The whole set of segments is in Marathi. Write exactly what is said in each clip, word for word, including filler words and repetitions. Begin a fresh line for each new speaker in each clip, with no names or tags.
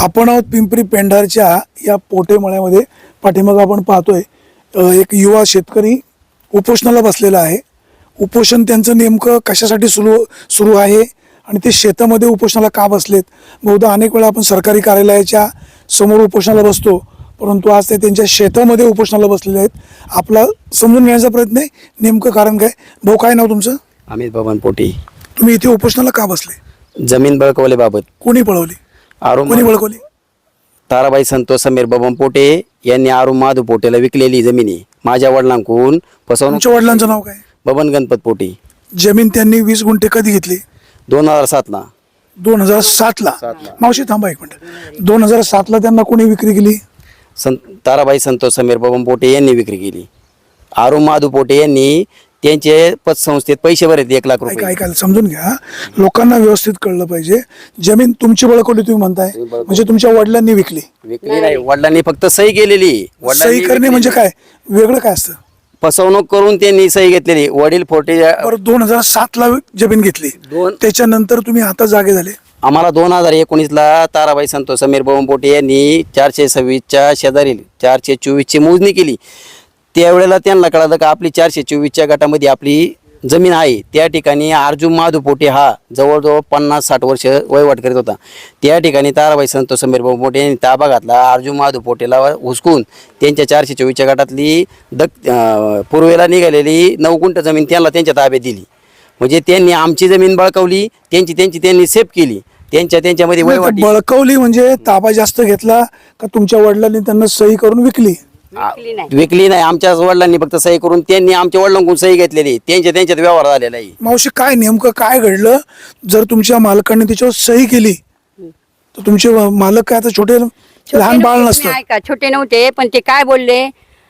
आपण आहोत पिंपरी पेंढारच्या या पोटेमळ्यामध्ये. पाठीमागं आपण पाहतोय अ, एक युवा शेतकरी उपोषणाला बसलेला आहे. उपोषण त्यांचं नेमकं कशासाठी सुरू सुरू आहे आणि ते शेतामध्ये उपोषणाला का बसलेत. बहुधा अनेक वेळा आपण सरकारी कार्यालयाच्या समोर उपोषणाला बसतो, परंतु आज ते त्यांच्या शेतामध्ये उपोषणाला बसलेले आहेत. आपला समजून घेण्याचा प्रयत्न आहे नेमकं कारण काय. भाऊ, काय नाव तुमचं?
अमित बबन पोटे.
तुम्ही इथे उपोषणाला का बसले?
जमीन बळकवल्याबाबत.
कोणी पळवली?
आरू
कोणी बळकवली?
ताराबाई संतोष समीर बबन पोटे यांनी आरू माधू पोटेला विकलेली जमिनी माझ्या वडिलांकडून फसवणूक.
तुमच्या वडिलांचं नाव काय?
बबन गणपत पोटे.
जमीन त्यांनी वीस गुंठे कधी घेतली?
दोन हजार सातला.
दोन हजार सातला. मावशी थांबा एक मिनिट. दोन हजार सातला त्यांना कोणी विक्री केली?
सं ताराबाई संतोष समीर बबन पोटे यांनी विक्री केली. आरू माधू पोटे यांनी त्यांचे पतसंस्थेत पैसे भरले एक लाख
ऐका
रुपये.
ऐकायला समजून घ्या, लोकांना व्यवस्थित कळलं पाहिजे. जमीन तुमची बळकवली तुम्ही म्हणताय, म्हणजे तुमच्या वडिलांनी विकली?
विकली नाही, वडिलांनी फक्त सही केलेली.
सही करणे म्हणजे काय वेगळं काय असतं?
फसवणूक करून त्यांनी सही घेतलेली. वडील पोटे
बरं, दोन हजार सात ला जमीन घेतली,
दोन
त्याच्यानंतर तुम्ही आता जागे झाले.
आम्हाला दोन हजार एकोणीसला ताराबाई संतोष समीर बबन पोटे यांनी चारशे सव्वीसच्या शेजारील चारशे चोवीसची मोजणी केली. त्यावेळेला त्यांना कळलं का आपली चारशे चोवीसच्या गटामध्ये आपली जमीन आहे. त्या ठिकाणी अर्जुन माधू पोटे हा जवळजवळ पन्नास साठ वर्ष वहिवाट करीत होता. त्या ठिकाणी ताराबाई संतोष समीर बबन पोटे यांनी ताबा घातला. अर्जुन माधू पोटेला हुसकून त्यांच्या चारशे चोवीसच्या गटातली दक पूर्वेला निघालेली नऊ गुंठ जमीन त्यांना त्यांच्या ताब्यात दिली. म्हणजे त्यांनी आमची जमीन बळकावली, त्यांची त्यांची त्यांनी सेफ केली. त्यांच्या त्यांच्यामध्ये वहिवाट
बळकवली म्हणजे ताबा जास्त घेतला का तुमच्या वडिलांनी त्यांना सही करून विकली?
विकली नाही. आमच्या वडिलांनी फक्त सही करून त्यांनी आमच्या वडिलांकडून सही घेतलेली. त्यांच्या त्यांच्यात व्यवहार झालेला आहे.
मावशी, काय नेमकं काय घडलं? जर तुमच्या मालकाने त्याच्यावर सही केली तर तुमचे मालक काय आता छोटे लहान बाळ नसतं?
ऐका, छोटे नव्हते, पण ते काय बोलले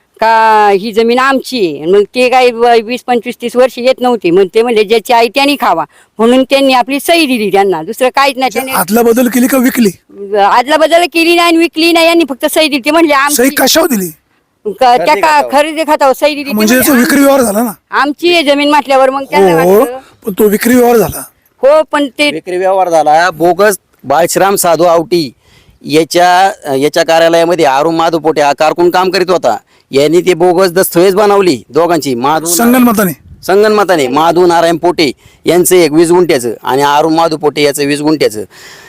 का ही जमीन आमची आहे. मग ते काय वीस पंचवीस तीस वर्ष येत नव्हते. मग ते म्हणजे ज्याची आई त्यांनी खावा म्हणून त्यांनी आपली सही दिली त्यांना. दुसरं काहीच नाही. त्यांनी
आदला बदल केली का विकली?
आदला बदल केली नाही आणि विकली नाही. यांनी फक्त सही दिली. ते म्हणले
सही
आमची
कशावर दिली?
क- त्या का खरेदी खात्यावर सही दिली. ते
म्हणजे
म्हणले,
याचा विक्री व्यवहार झाला ना?
आमची आहे जमीन म्हटल्यावर मग त्यांना
हो,
वाटलं.
पण तो विक्री व्यवहार झाला.
हो, पण ते
विक्री व्यवहार झाला. बोगस बाळश्राम साधू आवटी याच्या याच्या कार्यालयामध्ये आरू माधू पोटे हा कारकून काम करीत होता. यांनी ते बोगस दस्तऐवज बनवली दोघांची. माधू
संगनमताने
संगनमताने माधू नारायण पोटे यांचं एक वीस गुंठ्याचं आणि आरू माधू पोटे याचं वीस गुंठ्याचं.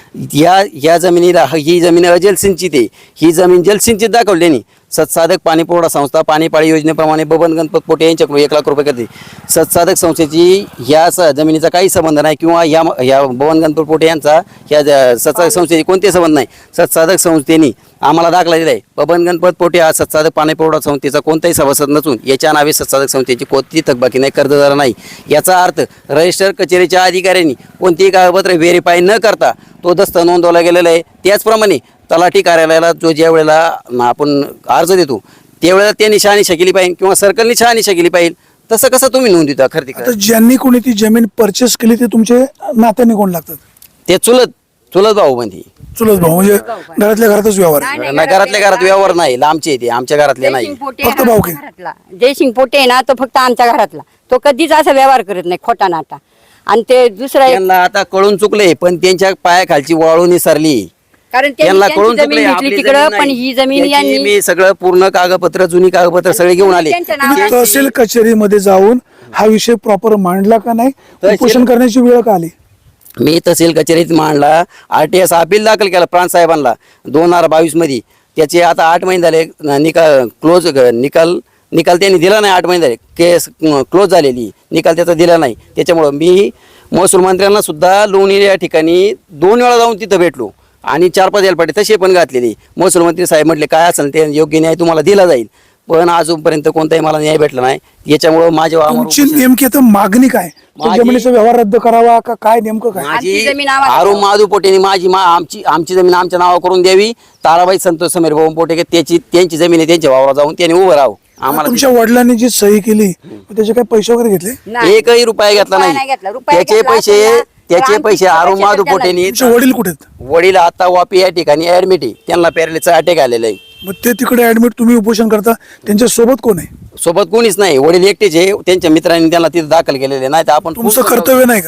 या या जमिनीला ही जमीन अजलसिंचित आहे. ही जमीन जलसिंचित दाखवली त्यांनी. सत्साधक पाणी पुरवठा संस्था पाणीपाळी योजनेप्रमाणे बबन गणपत पोटे यांच्याकडून एक लाख रुपये करते. सत्साधक संस्थेची ह्या स जमिनीचा काही संबंध नाही किंवा या ह्या बबन गणपत पोटे यांचा ह्या सत्साधक संस्थेची कोणतेही संबंध नाही. सत्साधक संस्थेने आम्हाला दाखला दिला आहे. बबन गणपत पोटे हा सत्साधक पाणी पुरवठा संस्थेचा कोणताही सभासद नसून याच्या नावे सत्साधक संस्थेची कोणतीही थकबाकी नाही, कर्जदार नाही. याचा अर्थ रजिस्टर कचेरीच्या अधिकाऱ्यांनी कोणतीही कागदपत्रे व्हेरीफाय न करता तो दस्त नोंदवला गेलेला आहे. त्याचप्रमाणे तलाठी कार्यालयाला जो ज्या वेळेला आपण अर्ज देतो त्यावेळेला त्यांनी शहानिशा केली पाहिजे किंवा सर्कलनी शहानिशा केली पाहिजे. तसं कसं तुम्ही नोंद देता? खरेदी
आता ज्यांनी कोणी ती जमीन परचेस केली ते तुमचे नात्याने कोण लागतात?
ते चुलत चुलत भाऊ म्हणजे
चुलत भाऊ, म्हणजे घरातल्या घरातच व्यवहार आहे.
नाही,
नाही, घरातल्या घरात व्यवहार नाही. लांबचे येते, आमच्या घरातले नाही.
जयसिंग पोटे
फक्त
हा
भाऊ
आमच्या
की?
घरातला. जयसिंग पोटे आहे ना, तो फक्त आमच्या घरातला. तो कधीच असा व्यवहार करत नाही खोटा नाटा. आणि ते दुसरा एक,
त्यांना आता कळून चुकले, पण त्यांच्या पायाखालची वाळू निसरली.
कारण त्यांनी
त्यांना
त्यांची
कळून
जमीन
चुकले
घेतली
आपली
तिकडं,
जमीन
पण
नाही.
ही जमीन
त्याची
यांनी
मी सगळं पूर्ण कागदपत्र जुनी कागदपत्र सगळे घेऊन आले.
त्यांच्या
तुम्ही
नावावर-
तहसील कचेरीमध्ये जाऊन हा विषय प्रॉपर मांडला का नाही?
तहसील-
उपोषण करण्याची वेळ का आली?
मी तहसील कचेरीत मांडला. आर टी एस अपील दाखल केला प्रांत साहेबांना दोन हजार बावीस मध्ये. त्याचे आता आठ महिने झाले निकाल क्लोज निकाल निकाल त्यांनी दिला नाही. आठ महिने झाले केस क्लोज झालेली, निकाल त्याचा दिला नाही. त्याच्यामुळं मी महसूल मंत्र्यांना सुद्धा लोणी या ठिकाणी दोन वेळा जाऊन तिथं भेटलो आणि चार पाच एलपाटे तसे पण घातलेली. महसूल मंत्री साहेब म्हटले काय असेल ते योग्य न्याय तुम्हाला दिला जाईल, पण अजूनपर्यंत कोणताही मला न्याय भेटला नाही. याच्यामुळं माझ्या
तुमची नेमकी आता मागणी काय? तो
माझी-
जमिनीचा व्यवहार रद्द करावा का काय नेमकं काय?
माझी
आमची जमीन आम्हाला-
आरू माधू पोटेने माझी मा आमची आमची जमीन आमच्या नावा करून द्यावी. ताराबाई संतोष समीर बबन पोटे की त्याची त्यांची जमीन आहे, त्यांच्या वावरात जाऊन त्यांनी उभं राहावं. आम्हाला
तुमच्या वडलांनी जी सही केली त्याचे काही पैसे वगैरे घेतले?
नाही.
एकही रुपया घेतला
रुपया
नाही.
नाही घेतला. रुपया
त्याचे
घेतला
पैसे
असता ना,
त्याचे
तर
पैसे
आमची
आरू
पैसे
माधू
त्याला-
पोटेनी
तुमचे वडील कुठे आहेत?
वडील आता वापी या ठिकाणी ऍडमिट आहे. त्यांना पॅरालिसचा अटॅक आलेला आहे.
मग ते तिकडे ऍडमिट, तुम्ही उपोषण करता, त्यांच्या सोबत कोण आहे?
सोबत कोणीच नाही. वडील एकटेच आहे. त्यांच्या मित्रांनी त्यांना तिथे दाखल केलेले नाही. तर आपण
तुमचं कर्तव्य नाही का?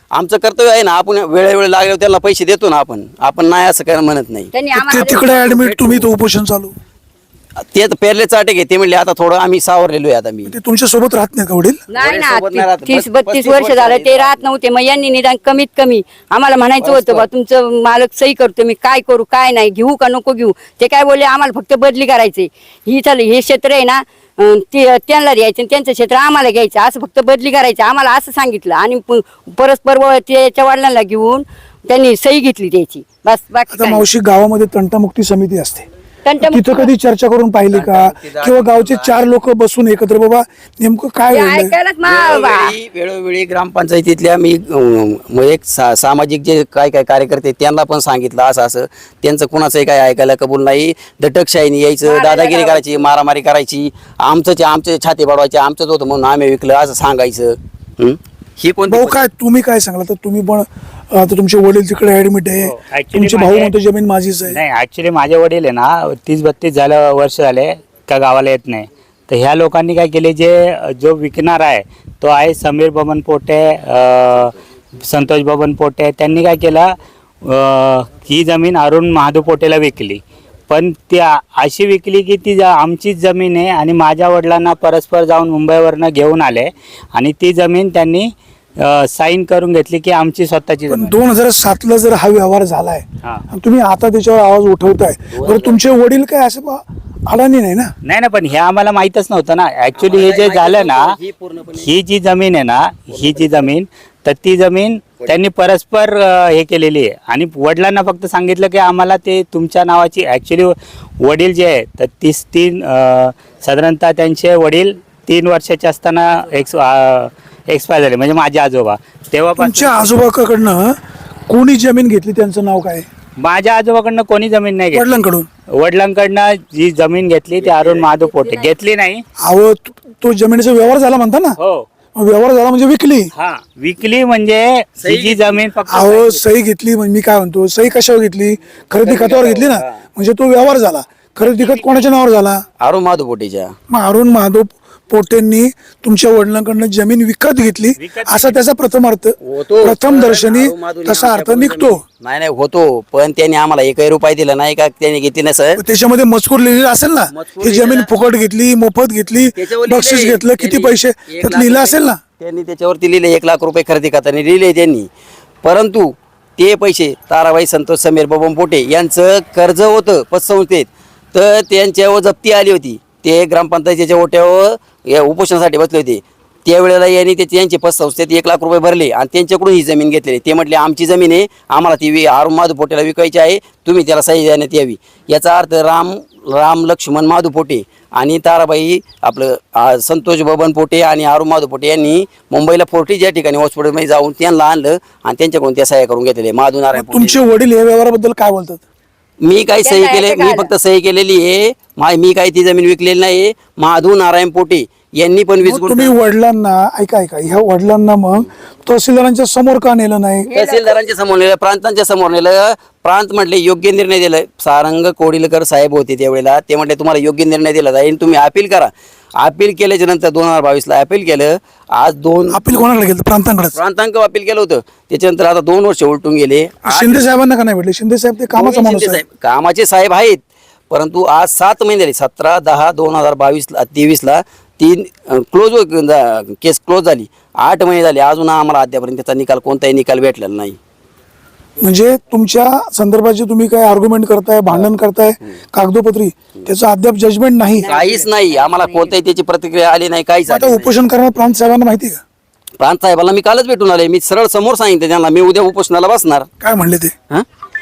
आमचं कर्तव्य आहे ना, आपण वेळोवेळी लागल्यावर त्याला पैसे देतो ना, आपण आपण नाही असं काय म्हणत नाही.
त्यांनी
ते
आम्हाला
तिकडे ऍडमिट, तुम्ही तो उपोषण चालू,
ते आता पेरले चाटे घे ते म्हणले आता थोडं आम्ही सावरलेलो आहे आता मी.
ते तुमच्या सोबत राहत नाही का वडील?
नाही ना,
सोबत नाही राहत.
तीस
बस-
बत्तीस
पस्तीस
वर्ष
वर्ष
झालं
झाली.
ते राहत नव्हते. मग यांनी निदान कमीत कमी आम्हाला म्हणायचं होतं बा तुमचं मालक सही करतो, मी काय करू काय नाही, घेऊ का नको घेऊ. ते काय बोलले आम्हाला फक्त बदली करायची. ही चाल हे क्षेत्र आहे ना अं, ते त्यांना द्यायचं आणि त्यांचं क्षेत्र आम्हाला घ्यायचं, असं फक्त बदली करायची आम्हाला असं सांगितलं. आणि प- परस्पर व त्याच्या वडिलांना घेऊन त्यांनी सही घेतली त्याची, बस बाकी
आता
काही नाही.
मावशी, गावामध्ये तंटामुक्ती समिती असते,
तंटामुक्ती-
तिथं कधी चर्चा करून पाहिली का? किंवा गावचे चार लोक बसून एकत्र, बाबा नेमकं काय
ते
घडलंय?
ऐकायलाच मा- बा-
वेळोवेळी वेळोवेळी ग्रामपंचायतीतल्या मी अं, मग एक सा सामाजिक जे काय काय कार्यकर्ते त्यांना पण सांगितलं असं असं, त्यांचं कुणाचंही काय ऐकायला कबूल नाही. दटकशाहीने यायचं, दादागिरी करायची, मारामारी करायची, आमचंच आमचे छाती बडवायचे, आमचंच होतं म्हणून आम्ही विकलं असं सांगायचं. हं? ही कोणती
भाऊ काय तुम्ही काय सांगला? तर तुम्ही पण आता तुमचे वडील तिकडे ऍडमिट आहे,
हो, actually
तुमचे भाऊ
माझे-
म्हणतो जमीन माझीच आहे.
नाही ॲक्च्युली माझे वडील आहे ना तीस बत्तीस झालं वर्ष झाले का गावाला येत नाही. तर ह्या लोकांनी काय केले, जे जो विकणार आहे तो आहे समीर बबन पोटे, अ, संतोष बबन पोटे. त्यांनी काय केलं, अ, ही जमीन अरुण महादू पोटेला विकली. पण ती आ- अशी विकली की ती जा- आमचीच जमीन आहे आणि माझ्या वडिलांना परस्पर जाऊन मुंबईवरनं घेऊन आले आणि ती जमीन त्यांनी साईन करून घेतली की आमची स्वतःची
पण
जमीन.
दोन हजार सात ला जर हा व्यवहार झालाय
हा.
आणि तुम्ही आता त्याच्यावर आवाज उठवताय, बरं तुमचे वडील काय असं बा- अडाणी नाही ना?
नाही ना, पण हे आम्हाला माहीतच नव्हतं ना. ॲक्च्युली हे जे झालं ना, ही जी जमीन आहे ना, ही जी जमीन, तर ती जमीन त्यांनी परस्पर अ, हे केलेली आहे. आणि वडिलांना फक्त सांगितलं की आम्हाला ते तुमच्या नावाची, ॲक्च्युली वडील जे आहे तर तीस तीन अ, साधारणतः त्यांचे वडील तीन वर्षाचे असताना एक्स एक्सपायर झाले, म्हणजे माझे आजोबा. तेव्हापासून
तुमच्या आजोबाकडनं कोणी जमीन घेतली, त्यांचं नाव काय?
माझ्या आजोबाकडनं कोणी जमीन नाही घेतली.
वडिलांकडून?
वडिलांकडनं जी जमीन घेतली ती अरुण महादेव पोटे घेतली नाही.
अहो तो- तो जमिनीचा व्यवहार झाला म्हणता ना?
हो,
मग व्यवहार झाला म्हणजे विकली.
हा, विकली म्हणजे ही जी जमीन फक्त
अहो सही घेतली म्हणजे मी काय म्हणतो, सही कशावर घेतली? खरेदी खतावर घेतली ना, म्हणजे तो व्यवहार झाला. खरेदी खत कोणाच्या नावावर झाला?
अरुण महादू पोटेच्या.
मग अरुण महादेव पोटेंनी तुमच्या वडिलांकडनं जमीन विकत घेतली, असा त्याचा प्रथम अर्थ,
होतो.
प्रथम दर्शनी
अरुण महादूने
तसा अर्थ
आमच्याकडून
निघतो.
जमीन- नाही नाही होतो, पण त्यांनी आम्हाला एकही रुपये दिला नाही का त्यांनी घेतली नाही सर.
त्याच्यामध्ये मजकूर लिहिलेला असेल ना,
मजकूर
ही जमीन
लिहिलेला-
फुकट घेतली, मोफत घेतली,
त्याच्यावर
बक्षीस
लिहिलंय.
घेतलं, किती
त्यांनी
पैसे,
एक
त्यात
लाख
लिहिलं
रुपये-
असेल ना?
त्यांनी त्याच्यावरती लिहिले एक लाख रुपये खरेदी खात्याने लिहिले त्यांनी. परंतु ते पैसे ताराबाई संतोष समीर बबन पोटे यांचं कर्ज होतं पतसंस्थेत, तर त्यांच्यावर जप्ती आली होती. ते ग्रामपंचायतीच्या ओट्यावर या उपोषणासाठी बसले होते. त्यावेळेला यांनी ते त्यांचे पतसंस्थेत एक लाख रुपये भरले आणि त्यांच्याकडून ही जमीन घेतलेली. ते म्हटले आमची जमीन आहे, आम्हाला ती वि- अरुण महादू पोटेला विकायची आहे, तुम्ही त्याला सही देण्यात यावी. याचा अर्थ राम राम लक्ष्मण महादू पोटे आणि ताराबाई आपलं आ, संतोष बबन पोटे आणि अरुण महादू पोटे यांनी मुंबईला फोर्टी ज्या ठिकाणी हॉस्पिटलमध्ये जाऊन त्यांना आणलं आणि त्यांच्याकडून त्या सह्या करून घेतलेले. महादू नारायण पोटे.
तुमचे वडील या व्यवहाराबद्दल काय बोलतात?
मी काही सही
त्यांना
केले,
याचं
मी
काय
फक्त सही केलेली आहे. मा- मी काही ती जमीन विकलेली नाही. महादू नारायण पोटे यांनी पण वीस
मग तुम्ही वडिलांना, ऐका ऐका, ह्या वडिलांना मग तहसीलदारांच्या समोर का नेलं नाही?
तहसीलदारांच्या समोर नेलं, प्रांतांच्या समोर नेलं. प्रांत म्हटले योग्य निर्णय दिला. सारंग कोडिलकर साहेब होते त्यावेळेला, ते म्हटले तुम्हाला योग्य निर्णय दिला जाईल, तुम्ही अपील करा. अपील केल्याच्या नंतर दोन हजार बावीसला अपील केलं. आज दोन
अपील कोणाकडे गेलं? प्रांतांकडेच.
प्रांतांक अपील केलं होतं. त्याच्यानंतर आता दोन वर्ष उलटून गेले.
शिंदे साहेबांना का नाही भेटले? शिंदे साहेब ते कामाचा
दोन्ही
माणूस
शिंदे
आहे.
साहेब कामाचे साहेब आहेत, परंतु आज सात महिने झाले, सतरा दहा दोन हजार बावीसला तेवीसला तीन क्लोज केस क्लोज झाली. आठ महिने झाले, अजून आम्हाला अद्यापर्यंत त्याचा निकाल कोणताही निकाल भेटलेला नाही.
म्हणजे तुमच्या संदर्भात जे तुम्ही काय आर्ग्युमेंट करताय, भांडण करताय कागदोपत्री, त्याचं अद्याप जजमेंट नाही.
काहीच नाही, आम्हाला कोणत्याही त्याची प्रतिक्रिया आली नाही, काहीच
आता
आली नाही.
उपोषण करणार प्रांत साहेबांना माहिती आहे का?
प्रांत साहेबांना मी कालच भेटून आले. मी सरळ समोर सांगितलं त्यांना, मी उद्या उपोषणाला बसणार.
काय म्हणले ते?
हं?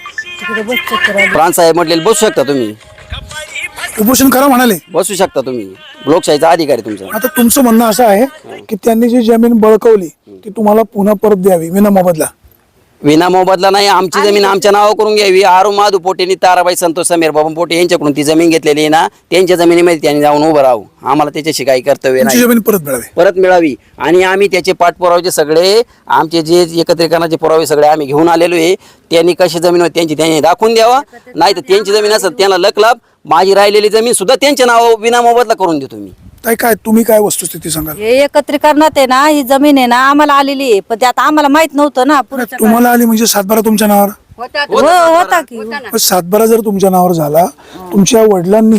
प्रांत साहेब म्हटले बसू शकता तुम्ही,
उपोषण करा म्हणाले.
बसू शकता तुम्ही, लोकशाहीचा अधिकार आहे तुमचा.
आता तुमचं म्हणणं असं आहे की त्यांनी जी जमीन बळकवली ती तुम्हाला पुन्हा परत द्यावी विना मोबदला.
विना मोबदला नाही, आमची जमीन आमच्या नावावर करून घ्यावी. अरुण महादू पोटेनी ताराबाई संतोष समीर बाबा पोटे यांच्याकडून ती जमीन घेतलेली आहे ना, त्यांच्या जमिनीमध्ये त्यांनी जाऊन उभं राहू. आम्हाला त्याच्याशी काही कर्तव्य
तुमची
नाही,
जमीन परत मिळावी.
परत मिळावी. आणि आम्ही त्याचे पाठपुरावे सगळे, आमचे जे एकत्रीकरणाचे पुरावे सगळे आम्ही घेऊन आलेलो आहे. त्यांनी कशी जमीन होती त्यांची त्यांनी दाखवून द्यावा, नाही तर त्यांची जमीन असेल त्यांना लक लाभ. माझी राहिलेली जमीन सुद्धा त्यांच्या नावावर विना मोबदला करून देतो मी.
ताई काय तुम्ही काय वस्तुस्थिती सांगाल?
हे एकत्रीकरणात आहे ना, ही जमीन आहे ना आम्हाला आलेली आहे, पण ते आता आम्हाला माहित नव्हतं ना पुढच्या
तुम्हाला आली म्हणजे सातबारा तुमच्या नावावर?
होता
काळात. हो होता की
मग सातबारा जर तुमच्या नावावर झाला, तुमच्या वडिलांनी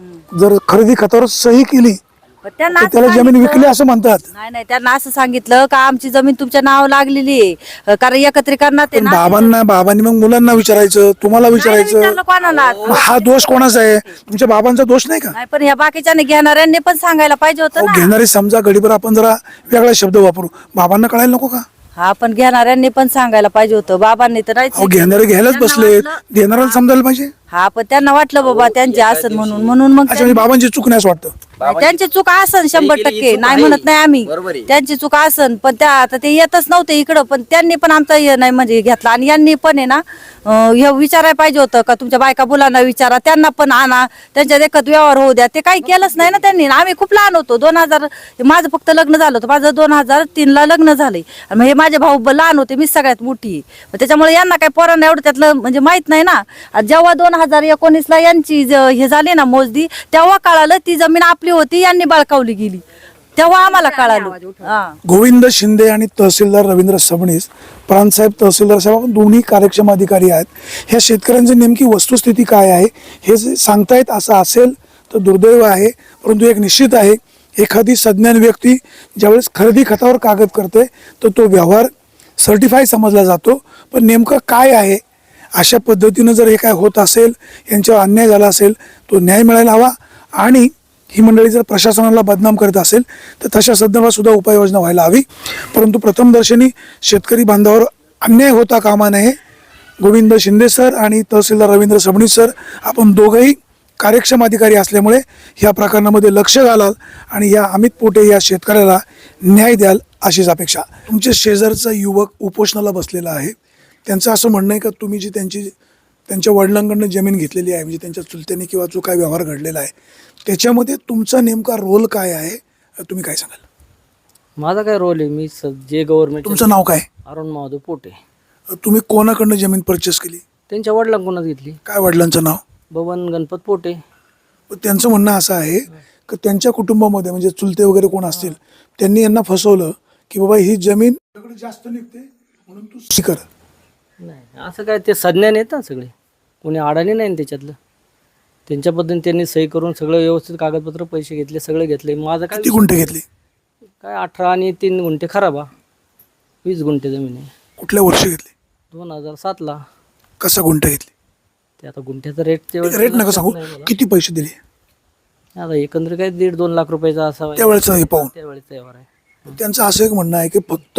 जर खरेदी खतावर सही केली
पण त्यांना
तर
असं
त्याला जमीन
सांगितलं-
विकली असं म्हणतात.
नाही नाही त्यांना असं सांगितलं का आमची जमीन तुमच्या नाव लागलेली आहे, कारण एकत्रीकरणात आहे
पण
ना.
बाबांना बाबांनी मग मुलांना विचारायचं, तुम्हाला
नाही
विचारायचं.
विचारलं कोणाला.
मग हा दोष कोणाचा आहे? तुमच्या बाबांचा दोष नाही का?
नाही पण या बाकीच्याने घेणाऱ्यांनी पण सांगायला पाहिजे होतं
अहो,
ना.
घेणारे समजा गडीभर आपण जरा वेगळा शब्द वापरू, बाबांना कळायला नको का?
हा पण घेणाऱ्यांनी पण सांगायला पाहिजे होतं, बाबांनी तर नाहीच.
अहो घेणारे घ्यायलाच
त्यांना
बसले,
वाटलं-
देणाऱ्याला समजायला पाहिजे.
हा पण त्यांना वाटलं बाबा त्यांचे असत म्हणून म्हणून मग
अच्छा म्हणजे बाबांची चूक नाही असं वाटतं.
नाही, त्यांची चूक असन शंभर
केली ही
टक्के
चूक
नाही
आहे.
म्हणत नाही आम्ही,
बरोबर आहे.
त्यांची चूक असन, पण त्या आता ते येतच नव्हते इकडं, पण त्यांनी पण आमचा हे नाही म्हणजे घेतला. आणि यांनी पण आहे ना अं, हे विचारायला पाहिजे होतं का तुमच्या बायका मुलांना विचारा, त्यांना पण आणा, त्यांच्या देखत व्यवहार होऊ द्या. ते काही केलंच नाही ना त्यांनी. आम्ही खूप लहान होतो, दोन हजार माझं फक्त लग्न झालं होतं, माझं दोन हजार तीन ला लग्न झालंय. आणि मग हे माझे भाऊ ब- लहान होते, मी सगळ्यात मोठी. मग त्याच्यामुळे यांना काही पोरांना एवढं त्यातलं म्हणजे माहित नाही ना. आणि जेव्हा दोन हजार एकोणीस ला यांची ज- हे झाली ना मोजदी, तेव्हा कळालं ती जमीन आपली होती, यांनी बळकावली गेली, तेव्हा आम्हाला कळालं. हा
गोविंद शिंदे आणि तहसीलदार रवींद्र सबनीस, प्रांतसाहेब तहसीलदार साहेब आपण दोन्ही कार्यक्षम अधिकारी आहेत. ह्या शेतकऱ्यांची नेमकी वस्तुस्थिती काय आहे हे जे सांगतायत असं असेल तर दुर्दैव आहे. परंतु एक निश्चित आहे, एखादी सज्ञान व्यक्ती ज्यावेळेस खरेदी खतावर कागद करते तर तो व्यवहार सर्टिफाय समजला जातो. पण नेमकं काय आहे, अशा पद्धतीनं जर हे काय होत असेल, यांच्यावर अन्याय झाला असेल, तो न्याय मिळायला हवा. आणि ही मंडळी जर प्रशासनाला बदनाम करत असेल तर तशा संदर्भात सुद्धा उपाययोजना व्हायला हवी. परंतु प्रथमदर्शनी शेतकरी बांधावर अन्याय होता कामा नये. गोविंद शिंदे सर आणि तहसीलदार रवींद्र सबनीस सर, आपण दोघंही कार्यक्षम अधिकारी असल्यामुळे ह्या प्रकरणामध्ये लक्ष घालाल आणि या अमित पोटे या शेतकऱ्याला न्याय द्याल अशीच अपेक्षा. तुमच्या शेजारचा युवक उपोषणाला बसलेला आहे, त्यांचं असं म्हणणं आहे का तुम्ही जी त्यांची त्यांच्या वडिलांकडनं जमीन घेतलेली आहे, म्हणजे त्यांच्या चुलत्याने किंवा जो काय व्यवहार घडलेला आहे त्याच्यामध्ये तुमचा नेमका रोल काय आहे, तुम्ही काय सांगाल?
माझा काय रोल आहे, मी स- जे गव्हर्नमेंट
तुमचं नाव काय?
अरुण महादेव पोटे,
तुम्ही कोणाकडनं जमीन परचेस केली?
त्यांच्या वडिलांकडूनच घेतली,
काय वडिलांचं नाव?
बबन गणपत पोटे.
पण त्यांचं म्हणणं असं आहे की त्यांच्या कुटुंबामध्ये म्हणजे चुलते वगैरे कोण असतील त्यांनी यांना फसवलं की बाबा ही जमीन तुझ्याकडे जास्त निघते म्हणून तू सी कर.
नाही असं काय, ते सज्ञान आहेत ना सगळे, कोणी अडाणी नाही ना त्याच्यातलं. त्यांच्या पद्धतीने त्यांनी सही करून सगळं व्यवस्थित कागदपत्र पैसे घेतले, सगळे घेतले. माझं काय
किती गुंठे घेतली?
काय अठरा आणि तीन गुंठे खराब हा वीस गुंठे जमीन आहे.
कुठल्या वर्षी घेतली?
दोन हजार सातला.
कसा गुंठा घेतली?
ते आता गुंठ्याचा रेट त्यावेळेस
रेट नका
लक्षात
सांगू,
नाही मला.
किती पैसे दिले
आता एकंदर काय दीड दोन लाख रुपयाचा असा
त्यावेळेचं हे पाहून?
त्यावेळेचा व्यवहार आहे.
त्यांचं असं एक म्हणणं आहे की फक्त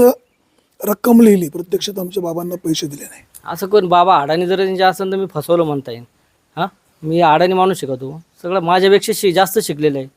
रक्कम लिहिली, प्रत्यक्षात आमच्या बाबांना पैसे दिले नाही.
असं कोण बाबा अडाणी जर त्यांच्या असेल तर मी फसवलं म्हणता येईल. हां मी अडाणी माणूस शिकवतो, सगळं माझ्यापेक्षा शि जास्त शिकलेलं आहे.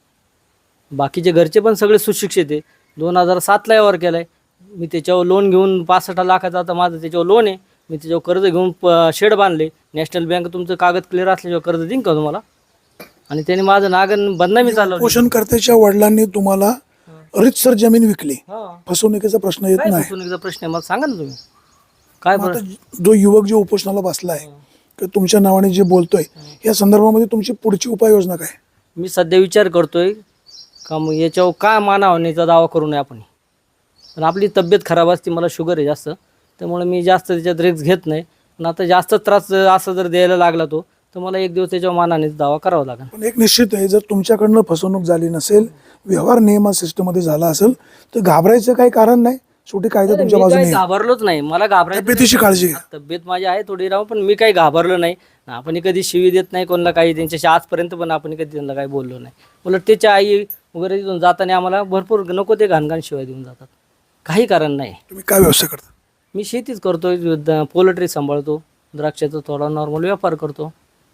बाकीचे घरचे पण सगळे सुशिक्षित आहे. दोन हजार सातला व्यवहार केला आहे मी, त्याच्यावर लोन घेऊन पासष्ट लाखाचा आता माझं त्याच्यावर लोन आहे. मी त्याच्यावर कर्ज घेऊन प शेड बांधले. नॅशनल बँक तुमचं कागद क्लिअर असल्याशिवाय कर्ज देईन का तुम्हाला? आणि त्याने माझं नागन बदनामी चालवली.
पोषणकर्त्याच्या वडिलांनी तुम्हाला रीतसर जमीन विकली,
हां
फसवणुकीचा प्रश्न येत
काय
नाही.
फसवणुकीचा प्रश्न आहे मला सांगा ना तुम्ही. काय
मग
बरं
आता जो युवक जो उपोषणाला बसलाय किंवा तुमच्या नावाने जे बोलतोय या संदर्भामध्ये तुमची पुढची उपाययोजना काय?
मी सध्या विचार करतोय का मग याच्यावर काय मानावणीचा दावा करू नये आपण. पण आपली तब्येत खराब असते, मला शुगर आहे जास्त, त्यामुळे मी जास्त त्याच्यात रिस्क घेत नाही. पण आता जास्त त्रास असं जर द्यायला लागला तो तर मला एक दिवस त्याच्यावर मानाने दावा करावा लागेल.
पण एक निश्चित आहे, जर तुमच्याकडनं फसवणूक झाली नसेल, व्यवहार नियमा सिस्टममध्ये झाला असेल तर घाबरायचं काही कारण नाही. शेवटी कायदा तुमच्या
मी
बाजूने
काही
आहे.
घाबरलोच नाही, मला घाबरायचं
तब्येतीची काळजी घ्या.
तब्येत माझी आहे थोडी राहू, पण मी काही घाबरलो नाही. आपण कधी शिवी देत नाही कोणाला काही, त्यांच्याशी आजपर्यंत पण आपण कधी त्यांना काही बोललो नाही. उलट त्याच्या आई वगैरे तिथून जाताना आम्हाला भरपूर नको ते घाणघाण शिवाय देऊन जातात, काही कारण नाही.
तुम्ही काय व्यवसाय करता?
मी शेतीच करतोय, पोल्ट्री सांभाळतो, द्राक्षाचा थोडा नॉर्मल व्यापार करतो.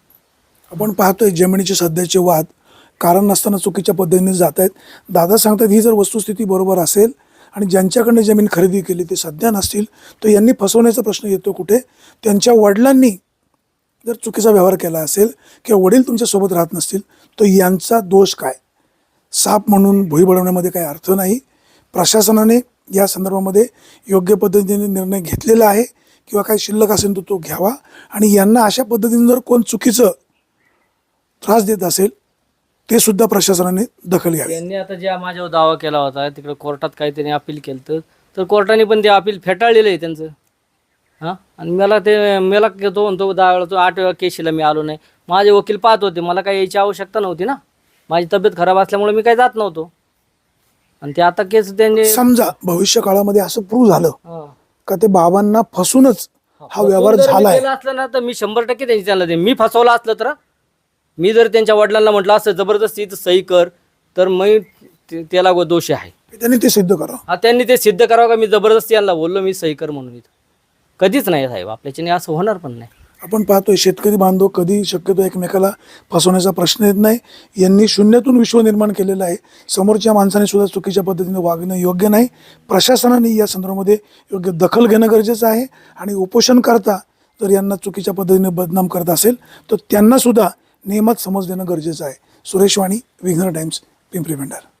आपण पाहतोय जमिनीचे सध्याचे वाद कारण नसताना चुकीच्या पद्धतीने जात आहेत. दादा सांगतात ही जर वस्तुस्थिती बरोबर असेल आणि ज्यांच्याकडनं जमीन खरेदी केली ते सध्या नसतील तर यांनी फसवण्याचा प्रश्न येतो कुठे? त्यांच्या वडिलांनी जर चुकीचा व्यवहार केला असेल किंवा वडील तुमच्यासोबत राहत नसतील तर यांचा दोष काय? साप म्हणून भुई बळवण्यामध्ये काही अर्थ नाही. प्रशासनाने या संदर्भामध्ये योग्य पद्धतीने निर्णय घेतलेला आहे किंवा काही शिल्लक असेल तर तो घ्यावा. आणि यांना अशा पद्धतीने जर कोण चुकीचं त्रास देत असेल ते सुद्धा प्रशासनाने दखल घ्यावी.
यांनी आता ज्या माझ्यावर दावा केला होता तिकडे कोर्टात काहीतरी अपील केलं तर तर कोर्टाने पण ते अपील फेटाळलेलं आहे त्यांचं. हां आणि मला ते मला तो म्हणतो दहा वेळा तो आठ वेळा केशीला मी आलो नाही. माझे वकील पाहत होते, मला काही यायची आवश्यकता नव्हती ना, माझी तब्येत खराब असल्यामुळे मी काही जात नव्हतो. आणि ते आता केस त्यांनी
समजा भविष्य काळामध्ये असं प्रूव्ह झालं
हां.
का ते बाबांना फसूनच हा व्यवहार
जर मी
झालाय,
केलं असलं ना तर मी शंभर टक्के त्यांची त्यांना दे. मी फसवलं असलं तर मी जर त्यांच्या वडिलांना म्हटलं असं जबरदस्ती इथं सही कर तर मी ते- त्याला गो- दोषी आहे.
त्यांनी ते सिद्ध करावं.
हा त्यांनी ते सिद्ध करावं का मी जबरदस्ती यांना बोललो मी सही कर म्हणून. इथं कधीच नाही साहेब, आपल्याच्याने असं होणार पण नाही.
आपण पाहतोय शेतकरी बांधव कधी शक्यतो एकमेकाला फसवण्याचा प्रश्न येत नाही. यांनी शून्यातून विश्व निर्माण केलेलं आहे. समोरच्या माणसाने सुद्धा चुकीच्या पद्धतीने वागणं योग्य नाही. प्रशासनाने या संदर्भामध्ये योग्य दखल घेणं गरजेचं आहे. आणि उपोषणकर्ता जर यांना चुकीच्या पद्धतीने बदनाम करत असेल तर त्यांना सुद्धा नियमात समज देणं गरजेचं आहे. सुरेश वाणी, विघ्नर टाइम्स, पिंपरी पेंढार.